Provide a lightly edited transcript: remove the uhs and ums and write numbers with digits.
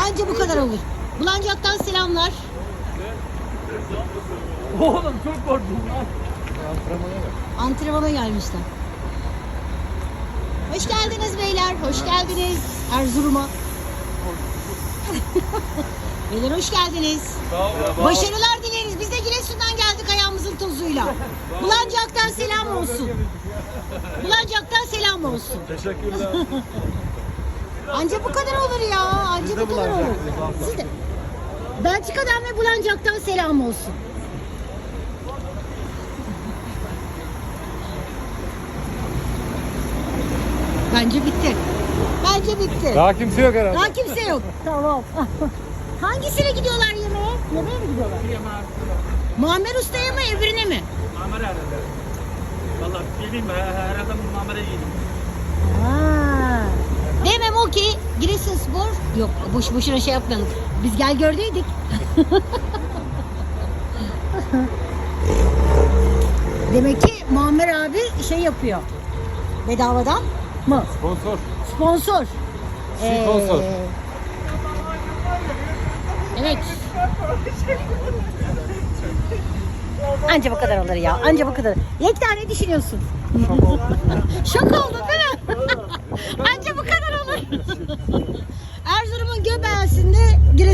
Anca bu kadar olur. Bulancak'tan selamlar. Oğlum çok korktum lan. Antrenmana gelmişler. Hoş geldiniz beyler, hoş geldiniz Erzurum'a. Beyler hoş geldiniz. Başarılar dileriz. Biz de Giresun'dan geldik ayağımızın tozuyla. Bulancak'tan selam olsun. Bulancak'tan selam olsun. Teşekkürler. Anca bu kadar olur ya. Anca bu kadar olur. Siz de. Belçika'dan ve Bulancak'tan selam olsun. Bence bitti. Bence bitti. Daha kimse yok herhalde. Daha kimse yok. Tamam. Hangisine gidiyorlar yemeğe? Yemeğe mi gidiyorlar? Muammer Usta'ya mı öbürüne mi? Mamara herhalde. Valla bileyim her adam mamara yedim. Ha. Demem o ki Giresunspor yok boş boşuna şey yapmayalım. Biz gel gördüydük. Demek ki Muammer abi şey yapıyor. Bedavadan mı? Sponsor. Sponsor. Sponsor. Evet. Anca bu kadar olur ya. Anca bu kadar. Yekta ne düşünüyorsun? Şok oldun değil mi? Anca bu kadar olur. Erzurum'un göbeğinde